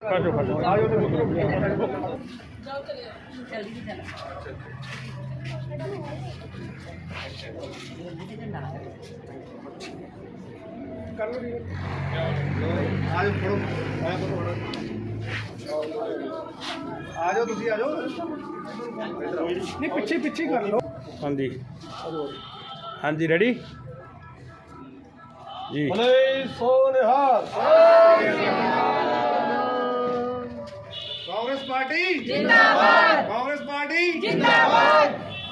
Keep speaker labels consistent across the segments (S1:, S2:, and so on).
S1: पिछे पिछे कर लो।
S2: हाँ जी, हाँ जी, रेडी जी।
S1: कांग्रेस पार्टी जिंदाबाद, कांग्रेस पार्टी जिंदाबाद।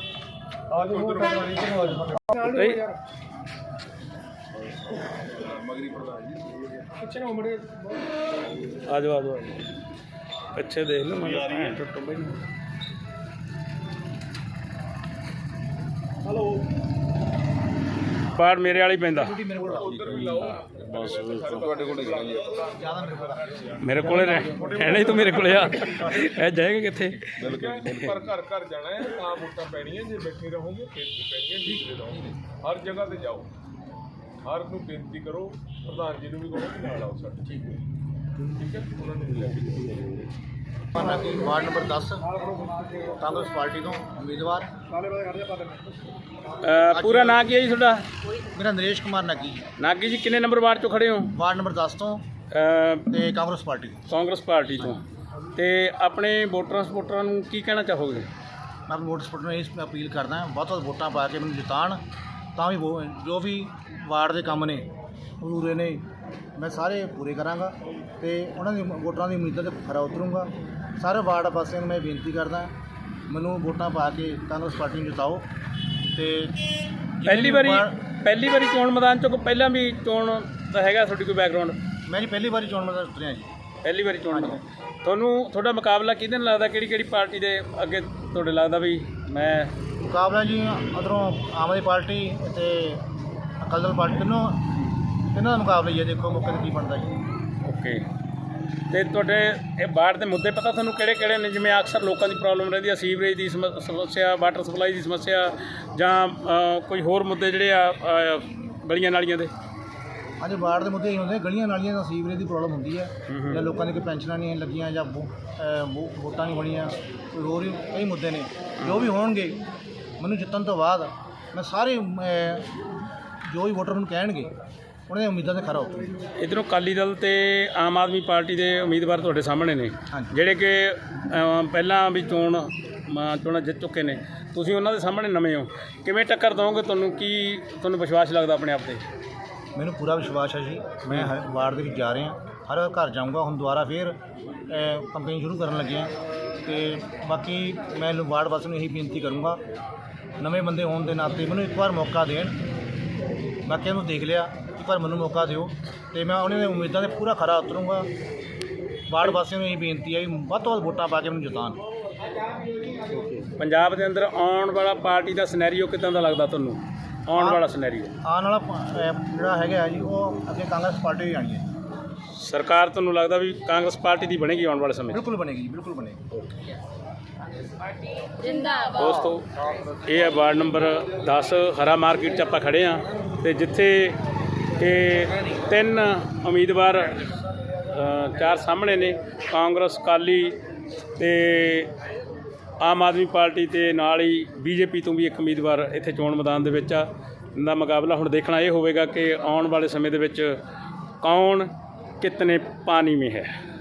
S2: आ जाओ अच्छे देख लो
S1: हेलो
S2: पार मेरे वाली पैंदा मेरे को रहना ही तो मेरे को जाएगा कितने
S3: पर घर घर जाना है ਤਾਂ ਵੋਟਾਂ ਪੈਣੀਆਂ ਜੇ ਬੈਠੇ ਰਹੋਗੇ ਫਿਰ ਨਹੀਂ ਪੈਣੀਆਂ ਡੀਕਦੇ ਰਹੋਗੇ ਹਰ ਜਗ੍ਹਾ ਤੇ ਜਾਓ ਹਰ ਨੂੰ ਬੇਨਤੀ ਕਰੋ ਪ੍ਰਧਾਨ ਜੀ ਨੂੰ ਵੀ ਕਹੋ ਕਿ ਨਾਲ ਆਓ ਸਾਡੇ ਠੀਕ ਹੈ ਉਹਨਾਂ ਨੂੰ ਲੈ ਕੇ
S4: वार्ड नंबर 10 कांग्रेस पार्टी तो उम्मीदवार
S2: पूरा ना की है जी थोड़ा
S4: मेरा नरेश कुमार नागी
S2: नागी जी किन्ने नंबर वार्ड चो खड़े हो
S4: वार्ड नंबर 10 तो कांग्रेस पार्टी
S2: तो ते अपने वोटरां सपोर्टरां नूं की कहना चाहोगे?
S4: मैं अपने वोटर सपोर्टर ਨੂੰ ਇਹ अपील करदा बहुत बहुत वोटां पा के मैनूं जिताण ਤਾਂ ਵੀ जो भी वार्ड ਦੇ ਕੰਮ ਨੇ ਅਧੂਰੇ ਨੇ मैं सारे पूरे करांगा ਤੇ ਉਹਨਾਂ ਦੀ ਵੋਟਰਾਂ ਦੀ ਉਮੀਦਾਂ ਤੇ ਖਰਾ ਉਤਰੂੰਗਾ। ਸਾਰੇ ਵਾਰਡ ਵਾਸੀਆਂ ਨੂੰ ਮੈਂ ਬੇਨਤੀ ਕਰਦਾ ਮੈਨੂੰ ਵੋਟਾਂ ਪਾ ਕੇ ਕਾਂਗਰਸ ਪਾਰਟੀ ਨੂੰ ਜਿਤਾਓ। ਤੇ
S2: ਪਹਿਲੀ ਵਾਰੀ ਚੋਣ ਮੈਦਾਨ ਚੋਂ ਪਹਿਲਾਂ ਵੀ ਚੋਣ ਦਾ ਹੈਗਾ ਤੁਹਾਡੀ ਕੋਈ ਬੈਕਗਰਾਉਂਡ?
S4: ਮੈਂ ਜੀ ਪਹਿਲੀ ਵਾਰੀ ਚੋਣ ਮੈਦਾਨ ਉਤਰਿਆ ਜੀ।
S2: ਪਹਿਲੀ ਵਾਰੀ ਚੋਣ ਤੁਹਾਨੂੰ ਤੁਹਾਡਾ ਮੁਕਾਬਲਾ ਕਿਹਦੇ ਨਾਲ ਲੱਗਦਾ? ਕਿਹੜੀ ਪਾਰਟੀ ਦੇ ਅੱਗੇ ਤੁਹਾਡੇ ਲੱਗਦਾ ਵੀ ਮੈਂ
S4: ਮੁਕਾਬਲਾ ਜੀ ਉੱਧਰੋਂ ਆਮ ਆਦਮੀ ਪਾਰਟੀ ਅਤੇ ਅਕਾਲੀ ਦਲ ਪਾਰਟੀ ਨੂੰ ਇਹਨਾਂ ਦਾ ਮੁਕਾਬਲਾ ਹੀ ਹੈ। ਦੇਖੋ ਮੌਕੇ 'ਤੇ ਕੀ ਬਣਦਾ ਜੀ।
S2: ਓਕੇ ਤੇ ਤੁਹਾਡੇ ਇਹ ਵਾਰਡ ਦੇ ਮੁੱਦੇ ਪਤਾ ਤੁਹਾਨੂੰ ਕਿਹੜੇ ਨੇ? ਜਿਵੇਂ ਅਕਸਰ ਲੋਕਾਂ ਦੀ ਪ੍ਰੋਬਲਮ ਰਹਿੰਦੀ ਆ ਸੀਵਰੇਜ ਦੀ ਸਮੱਸਿਆ, ਵਾਟਰ ਸਪਲਾਈ ਦੀ ਸਮੱਸਿਆ ਜਾਂ ਕੋਈ ਹੋਰ ਮੁੱਦੇ ਜਿਹੜੇ ਆ ਗਲੀਆਂ ਨਾਲੀਆਂ ਦੇ?
S4: ਹਾਂਜੀ ਵਾਰਡ ਦੇ ਮੁੱਦੇ ਇਹ ਹੁੰਦੇ ਗਲੀਆਂ ਨਾਲੀਆਂ ਦਾ ਸੀਵਰੇਜ ਦੀ ਪ੍ਰੋਬਲਮ ਹੁੰਦੀ ਹੈ ਜਾਂ ਲੋਕਾਂ ਦੀ ਕੋਈ ਪੈਨਸ਼ਨਾਂ ਨਹੀਂ ਲੱਗੀਆਂ ਜਾਂ ਵੋਟਾਂ ਨਹੀਂ ਬਣੀਆਂ, ਕੋਈ ਹੋਰ ਵੀ ਕਈ ਮੁੱਦੇ ਨੇ ਜੋ ਵੀ ਹੋਣਗੇ ਮੈਨੂੰ ਜਿੱਤਣ ਤੋਂ ਬਾਅਦ ਮੈਂ ਸਾਰੇ ਜੋ ਵੀ ਵੋਟਰ ਮੈਨੂੰ ਕਹਿਣਗੇ ਉਹਨਾਂ ਦੀਆਂ ਉਮੀਦਾਂ 'ਤੇ ਖਰਾ ਉਤਰੂ।
S2: ਇੱਧਰੋਂ ਅਕਾਲੀ ਦਲ ਤੇ ਆਮ ਆਦਮੀ ਪਾਰਟੀ ਦੇ ਉਮੀਦਵਾਰ ਤੁਹਾਡੇ ਸਾਹਮਣੇ ਨੇ ਜਿਹੜੇ ਕਿ ਪਹਿਲਾਂ ਵੀ ਚੋਣਾਂ ਜਿੱਤ ਚੁੱਕੇ ਨੇ, ਤੁਸੀਂ ਉਹਨਾਂ ਦੇ ਸਾਹਮਣੇ ਨਵੇਂ ਹੋ, ਕਿਵੇਂ ਟੱਕਰ ਦਿਓਗੇ? ਤੁਹਾਨੂੰ ਵਿਸ਼ਵਾਸ ਲੱਗਦਾ ਆਪਣੇ ਆਪ 'ਤੇ?
S4: ਮੈਨੂੰ ਪੂਰਾ ਵਿਸ਼ਵਾਸ ਹੈ ਜੀ। ਮੈਂ ਵਾਰਡ ਦੇ ਵਿੱਚ ਜਾ ਰਿਹਾ, ਹਰ ਘਰ ਜਾਊਂਗਾ। ਹੁਣ ਦੁਬਾਰਾ ਫਿਰ ਕੰਪੇਨ ਸ਼ੁਰੂ ਕਰਨ ਲੱਗੇ ਹਾਂ ਅਤੇ ਬਾਕੀ ਮੈਂ ਵਾਰਡ ਵਾਸੀਆਂ ਨੂੰ ਇਹੀ ਬੇਨਤੀ ਕਰੂੰਗਾ ਨਵੇਂ ਬੰਦੇ ਹੋਣ ਦੇ ਨਾਤੇ ਮੈਨੂੰ ਇੱਕ ਵਾਰ ਮੌਕਾ ਦੇਣ। ਬਾਕੀਆਂ ਨੂੰ ਦੇਖ ਲਿਆ, ਇੱਕ ਵਾਰ ਮੈਨੂੰ ਮੌਕਾ ਦਿਓ ਅਤੇ ਮੈਂ ਉਹਨਾਂ ਦੀਆਂ ਉਮੀਦਾਂ 'ਤੇ ਪੂਰਾ ਖਰਾ ਉਤਰੂੰਗਾ। ਵਾਰਡ ਵਾਸੀਆਂ ਨੂੰ ਇਹੀ ਬੇਨਤੀ ਹੈ ਵੀ ਵੱਧ ਤੋਂ ਵੱਧ ਵੋਟਾਂ ਪਾ ਕੇ ਮੈਨੂੰ ਜਿਤਾਉਣ।
S2: ਪੰਜਾਬ ਦੇ ਅੰਦਰ ਆਉਣ ਵਾਲਾ ਪਾਰਟੀ ਦਾ ਸਿਨੈਰੀਓ ਕਿੱਦਾਂ ਦਾ ਲੱਗਦਾ ਤੁਹਾਨੂੰ? ਆਉਣ ਵਾਲਾ ਸਿਨੈਰੀਓ
S4: ਆਉਣ ਵਾਲਾ ਜਿਹੜਾ ਹੈਗਾ ਜੀ ਉਹ ਅੱਗੇ ਕਾਂਗਰਸ ਪਾਰਟੀ ਹੀ ਆਣੀ ਹੈ।
S2: ਸਰਕਾਰ ਤੁਹਾਨੂੰ ਲੱਗਦਾ ਵੀ ਕਾਂਗਰਸ ਪਾਰਟੀ ਦੀ ਬਣੇਗੀ ਆਉਣ ਵਾਲੇ ਸਮੇਂ?
S4: ਬਿਲਕੁਲ ਬਣੇਗੀ ਜੀ, ਬਿਲਕੁਲ ਬਣੇਗੀ।
S2: ਦੋਸਤੋ ਇਹ ਹੈ ਵਾਰਡ ਨੰਬਰ 10 ਹਰਾ ਮਾਰਕੀਟ 'ਚ ਆਪਾਂ ਖੜ੍ਹੇ ਹਾਂ ਅਤੇ ਜਿੱਥੇ ਕਿ 3 ਉਮੀਦਵਾਰ 4 ਸਾਹਮਣੇ ਨੇ, ਕਾਂਗਰਸ, ਅਕਾਲੀ ਅਤੇ ਆਮ ਆਦਮੀ ਪਾਰਟੀ ਅਤੇ ਨਾਲ ਹੀ BJP ਤੋਂ ਵੀ ਇੱਕ ਉਮੀਦਵਾਰ ਇੱਥੇ ਚੋਣ ਮੈਦਾਨ ਦੇ ਵਿੱਚ ਆ। ਦਾ ਮੁਕਾਬਲਾ ਹੁਣ ਦੇਖਣਾ ਇਹ ਹੋਵੇਗਾ ਕਿ ਆਉਣ ਵਾਲੇ ਸਮੇਂ ਦੇ ਵਿੱਚ ਕੌਣ ਕਿਤਨੇ ਪਾਣੀ ਮੇਂ ਹੈ।